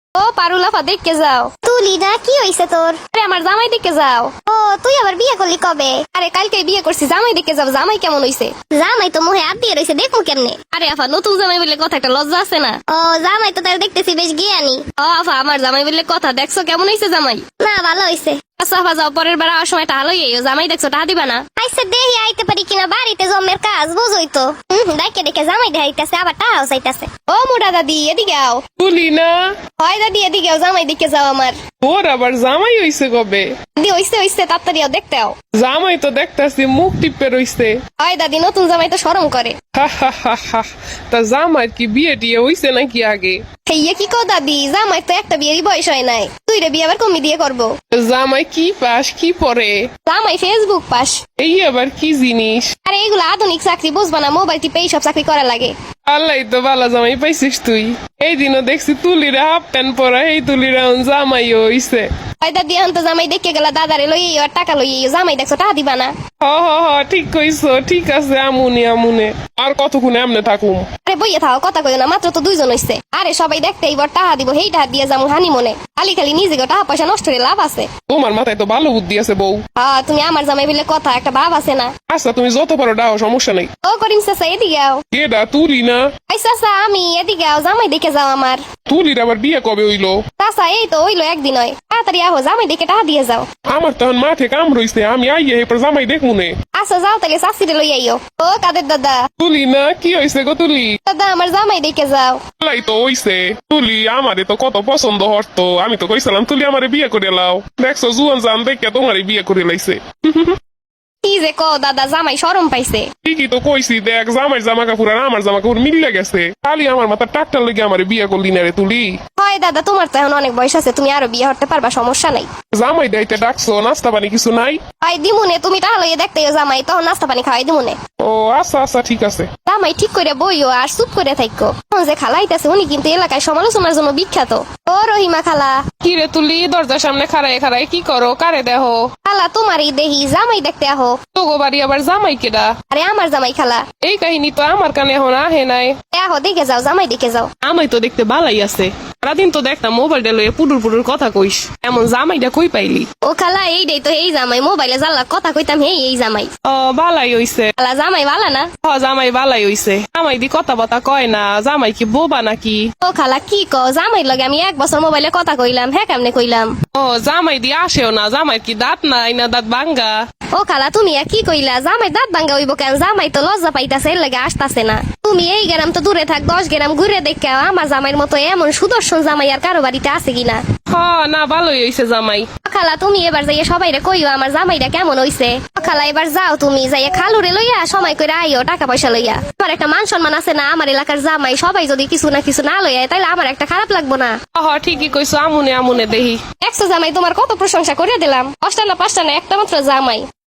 ও পারুলাফা দেখতে যাও। তুলি না, কি হইছে তোর? আরে আমার জামাই দেখতে যাও। ও তুই আবার বিয়ে করলি কবে? আরে কালকে বিয়ে করছি, জামাই দেখতে যাও। জামাই কেমন হইছে? জামাই তো মুহে হাত দিয়ে রইছে, দেখমু কেমনে? আরে আফা, নতুন জামাই বলে কথা, একটা লজ্জা আছে না? ও জামাই তো তার দেখতেছি বেশ জ্ঞানী। ও আফা, আমার জামাই বলে কথা, দেখছো কেমন হইছে জামাই? না ভালো হইছে। আচ্ছা আফা, যাও, পরের বার আসার সময় টাকা লইয়ে আইও। জামাই দেখছো, টাকা দিবা না? আইসা দেহি আইতে পারি কিনা, বাড়িতে জমের কাজ বুঝই তো। ডাইকে ডেকে জামাই দেখাইতেছে, আবার টাকাও চাইতেছে। ও মোটা দাদি, এদিকে আও। তুলি না, হয় দাদি, এদিকে আও, জামাই দেখে যাও আমার। তোর আবার জামাই হইছে কবে? দাদি হইছে হইছে, তাড়াতাড়ি আও, দেখতে আও। জামাই তো দেখতাছি মুখ টিপে রইছে। হয় দাদি, নতুন জামাই তো শরম করে। হা হা হা হা। তা জামাই কি বিয়ে টিয়ে হইছে নাকি আগে? হেইয়ে কি কও দাদি, জামাই তো একটা বিয়েরই বয়স হয় নাই। তুই রে বিয়ে আবার কমি দিয়ে করবো? জামাই কি পাস, কি পরে? জামাই ফেসবুক পাস। এই আবার কি জিনিস? আরে এগুলো আধুনিক চাকরি, বুঝবা না? মোবাইল টিপে এইসব চাকরি করা লাগে। আল্লাহ তো বালা জামাই পাইছিস তুই। এই দিনও দেখছি তুলিরা হাফ প্যান্ট পরা, এই তুলিরা জামাই হইছে। হয় দাদি, এখন তো জামাই দেখে গেলা, দাদারে লইয়ে আর টাকা লইয়ে। জামাই দেখছো, টাকা দিবা না? হ হ হ, ঠিক কইছো, ঠিক আছে, আমুনে আমুনে। আর কতক্ষণ এমনে থাকুম? আরে বইয়ে থাও, কথা কইও না, মাত্র তো 2 জন হইছে। আরে সবাই দেখতে এইবার টাকা দিব, হেই টাকা দিয়ে যাবো হানি মনে। খালি খালি নিজে টাকা পয়সা নষ্ট করে লাভ আছে? তোমার মাথায় তো ভালো বুদ্ধি আছে বউ। হ্যাঁ, তুমি আমার জামাই বলে কথা, একটা ভাব আছে না? আচ্ছা তুমি যত পারো ডাও, সমস্যা নেই। ও করিম চাচা, এদিকে আও। কেডা তুলি না? আই চাচা, আমি এদিকে আও, জামাই দেখে যাও আমার। তুলির আবার বিয়ে কবে হইলো? চাচা এই তো হইলো একদিন হয়, তাড়াতাড়ি আহো, জামাই দেখে টাকা দিয়ে যাও। আমার তখন মাঠে কাম রইছে, আমি আইয়ে এরপর জামাই দেখমুনে। আচ্ছা যাও তাহলে, চাষিরে লই আইও। ও কাদের দাদা। তুলি না, কি হইছে গো তুলি? দাদা আমার জামাই দেখে যাও। লাই তো হইছে। তুলি আমারে তো কত পছন্দ হতো, আমি তো কইছিলাম তুলি আমারে বিয়ে করে লাও। দেখছো জুয়ান জান দেখে তোমারে বিয়ে করে লাইছে। কি যে কও দাদা, জামাই শরম পাইছে। ঠিকই তো কইছি, দেখ জামাই জামা কাপড় আর আমার জামা কাপড় মিলে গেছে। খালি আমার মাথা টাকটার লেগে আমারে বিয়ে করলি না রে তুলি। হয় দাদা, তোমার তো এখন অনেক বয়স আছে, তুমি আরো বিয়ে হতে পারবা, সমস্যা নাই। জামাই দাইতে ডাকছো, নাস্তা পানি কিছু নাই? হয় দিমুনে, তুমি টাকা লইয়ে দেখতে জামাই, তখন নাস্তা পানি খাওয়াই দিমুনে। ও আচ্ছা আচ্ছা, ঠিক আছে। জামাই ঠিক করে বইও আর চুপ করে থাকো। এখন যে খালাইতেছে উনি কিন্তু এলাকায় সমালোচনার জন্য বিখ্যাত। ও রহিমা খালা। কি রে তুলি, দরজার সামনে খাড়ায় খাড়ায় কি করো? কারে দেহ? খালা তোমারই দেহি, জামাই দেখতে আহো। তোগো বাড়ি আবার জামাই কেডা? আরে আমার জামাই খালা। এই কাহিনী তো আমার কানে এখন আহে নাই। আহো দেখে যাও, জামাই দেখে যাও। আমাই তো দেখতে বালাই আছে, সারাদিন তো দেখতাম মোবাইলটা লইয়ে পুডুর পুডুর কথা কইস, এমন জামাইটা কই পাইলি? ও খালা, এইটাই তো এই জামাই, মোবাইলে জানলা কথা কইতাম, এই জামাই। ও বালাই হইছে। খালা জামাই ভালা না? হ জামাই বালাই হইছে। জামাই দি কথা বতা কয় না, জামাই কি বোবা নাকি? ও খালা কি কও, জামাই লগে আমি 1 বছর মোবাইলে কথা কইলাম, হ্যাঁ কেমনে কইলাম? ও জামাই দি আসেও না, জামাই কি দাঁত নাই না দাঁত ভাঙ্গা? ও খালা তুমি কি কইলা, জামাই দাঁত ভাঙ্গা হইব কেন? জামাই তো লজ্জা পাইতাছে, এর লাগে আসতাছে না। তুমি এই গ্রাম তো দূরে থাক, 10 গ্রাম ঘুরে দেখে আমার জামাইয়ের মতো এমন সুদর্শন জামাই আর কারো বাড়িতে আছে কিনা। হ না, ভালোই হইছে জামাই। খালা তুমি এবার যাইয়া সবাইরে কইও আমার জামাইটা কেমন হইছে। খালা এবার যাও তুমি, যাইয়া খালুরে লইয়া সময় করে আইও, টাকা পয়সা লইয়া। আমার একটা মান সম্মান আছে না, আমার এলাকার জামাই সবাই যদি কিছু না কিছু না লইয়া তাইলে আমার একটা খারাপ লাগবো না। হ ঠিকই কইছো, আমুনে আমুনে দেহি। 100 জামাই তোমার কত প্রশংসা করে দিলাম, 5টা না 5টা না, একটা মাত্র জামাই।